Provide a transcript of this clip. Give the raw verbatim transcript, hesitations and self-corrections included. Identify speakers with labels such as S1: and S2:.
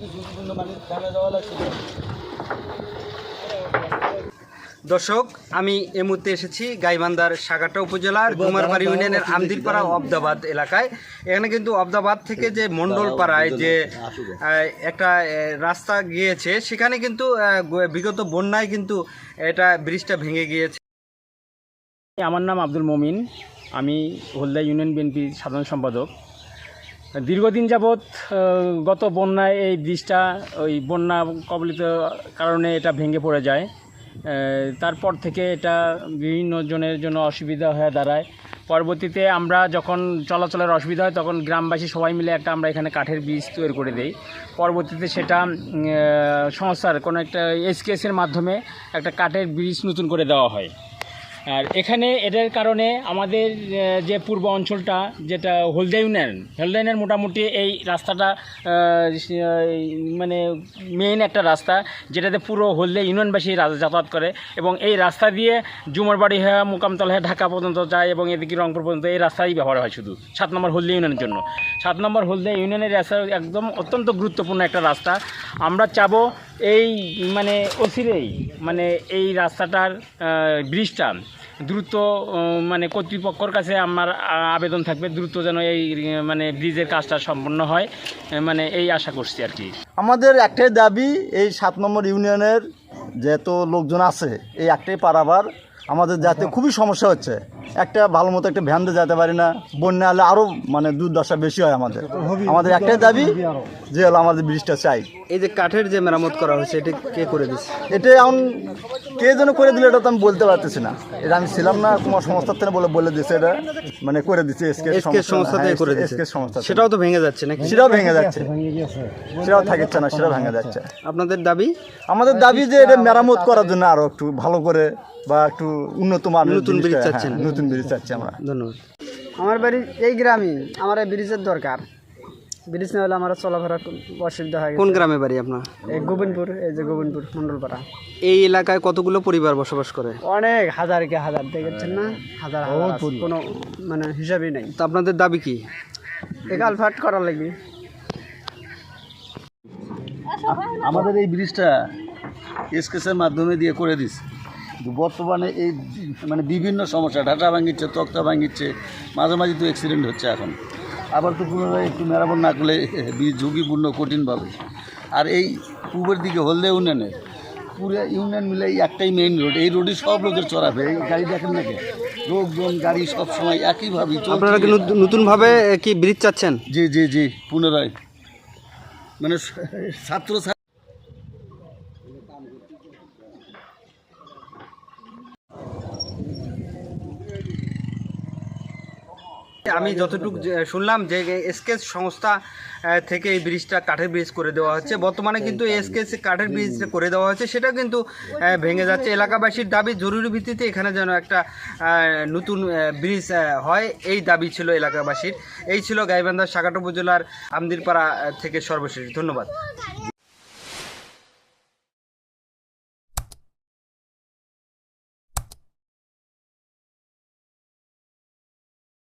S1: দর্শক, আমি এই মুহূর্তে এসেছি গাইবান্ধার সাগারটা উপজেলার ডুমারবাড়ি ইউনিয়নের আমদিরপাড়া অবদাবাদ এলাকায়। এখানে কিন্তু অবদাবাদ থেকে যে মণ্ডলপাড়ায় যে একটা রাস্তা গিয়েছে, সেখানে কিন্তু বিগত বন্যায় কিন্তু এটা ব্রিজটা ভেঙে গিয়েছে।
S2: আমার নাম আব্দুল মমিন, আমি হলদা ইউনিয়ন বিএনপির সাধারণ সম্পাদক। দীর্ঘদিন যাবৎ গত বন্যায় এই ব্রিজটা ওই বন্যা কবলিত কারণে এটা ভেঙে পড়ে যায়। তারপর থেকে এটা বিভিন্ন জনের জন্য অসুবিধা হয়ে দাঁড়ায়। পরবর্তীতে আমরা যখন চলাচলের অসুবিধা হয় তখন গ্রামবাসী সবাই মিলে একটা আমরা এখানে কাঠের ব্রিজ তৈরি করে দেই। পরবর্তীতে সেটা সংস্থার কোনো একটা এসকেএসের মাধ্যমে একটা কাঠের ব্রিজ নতুন করে দেওয়া হয়। আর এখানে এটার কারণে আমাদের যে পূর্ব অঞ্চলটা যেটা হলদা ইউনিয়ন হলদা ইউনিয়ন মোটামুটি এই রাস্তাটা মানে মেইন একটা রাস্তা, যেটাতে পুরো হলদা ইউনিয়নবাসী যাতায়াত করে এবং এই রাস্তা দিয়ে জুমরবাড়ি হয়ে মোকামতলা হয়ে ঢাকা পর্যন্ত যায় এবং এদিকে রংপুর পর্যন্ত এই রাস্তাই ব্যবহার হয় শুধু সাত নম্বর হলদা ইউনিয়নের জন্য। সাত নম্বর হলদা ইউনিয়নের রাস্তা একদম অত্যন্ত গুরুত্বপূর্ণ একটা রাস্তা। আমরা চাবো এই মানে অচিরেই মানে এই রাস্তাটার ব্রিজটা দ্রুত মানে কর্তৃপক্ষের কাছে আমার আবেদন থাকবে, দ্রুত যেন এই মানে ব্রিজের কাজটা সম্পন্ন হয়, মানে এই আশা করছি আর কি।
S3: আমাদের একটাই দাবি, এই সাত নম্বর ইউনিয়নের যেহেতু লোকজন আছে এই একটাই পারাবার আমাদের যাতে খুবই সমস্যা হচ্ছে। একটা ভালো মতো একটা ভ্যান দিয়ে যেতে পারি না, বন্যা হলে আরও মানে দুর্দশা বেশি হয়। আমাদের আমাদের একটাই দাবি যে হলো আমাদের ব্রিজটা চাই।
S1: এই যে কাঠের যে মেরামত করা হয়েছে, এটা কে করে দিচ্ছে?
S3: এটা এখন কে যেন করে দিলে এটা তো আমি বলতে পারতেছি না। এটা আমি ছিলাম না, তোমার সংস্থার থেকে বলে বলে দিচ্ছে, এটা মানে করে দিচ্ছে
S1: এসকেএস সংস্থা থেকে করে দিচ্ছে।
S3: এসকেএস সংস্থা
S1: সেটাও তো ভেঙে যাচ্ছে নাকি?
S3: সেটাও ভেঙে যাচ্ছে, সেটাও থাকছে না, সেটাও ভেঙে যাচ্ছে।
S1: আপনাদের দাবি?
S3: আমাদের দাবি যে এটা মেরামত করার জন্য আরো একটু ভালো করে বা একটু উন্নত মানের
S1: নতুন ব্রিজ চাচ্ছেন?
S3: নতুন ব্রিজ চাচ্ছি আমরা।
S1: ধন্যবাদ।
S4: আমার বাড়ি এই গ্রামে, আমার এই ব্রিজের দরকার। ব্রিজ না হলে আমার চলাফেরা অসুবিধা হয়।
S1: কোন গ্রামে বাড়ি আপনার?
S4: এই গোবিন্দপুর, এই যে গোবিন্দপুর মণ্ডলপাড়া।
S1: এই এলাকায় কতগুলো পরিবার বসবাস করে?
S4: অনেক হাজার কে হাজার, দেখেছেন না, হাজার হাজার, কোনো মানে হিসাবই নেই।
S1: তো আপনাদের দাবি কি?
S4: একাল ফাট করা লাগবে।
S5: আমাদের এই ব্রিজটা এসকেএসের মাধ্যমে দিয়ে করে দিচ্ছে। বর্তমানে এই মানে বিভিন্ন সমস্যা, ঢাটা ভাঙিচ্ছে, তক্তা ভাঙিচ্ছে, মাঝে মাঝে তো অ্যাক্সিডেন্ট হচ্ছে। এখন আবার তো পুনরায় একটু মেরামত না করলে ঝুঁকিপূর্ণ কঠিনভাবে। আর এই পূবের দিকে হলদে ইউনিয়নের পুরো ইউনিয়ন মিলে এই একটাই মেইন রোড, এই রোডে সব লোকের চড়াবে। এই গাড়ি দেখেন নাকি, লোকজন গাড়ি সব সময় একইভাবে।
S1: আপনারা কি নতুনভাবে কি ব্রিজ চাচ্ছেন?
S5: জি জি জি পুনরায় মানে ছাত্র
S1: আমি যতটুকু শুনলাম যে এসকেএস সংস্থা থেকে এই ব্রিজটা কাঠের ব্রিজ করে দেওয়া হচ্ছে। বর্তমানে কিন্তু এসকেএস কাঠের ব্রিজ করে দেওয়া হচ্ছে, সেটা কিন্তু ভেঙে যাচ্ছে। এলাকাবাসীর দাবি জরুরি ভিত্তিতে এখানে যেন একটা নতুন ব্রিজ হয়, এই দাবি ছিল এলাকাবাসীর। এই ছিল গাইবান্ধার সাগারটা উপজেলার আমদিরপাড়া থেকে সর্বশেষ। ধন্যবাদ।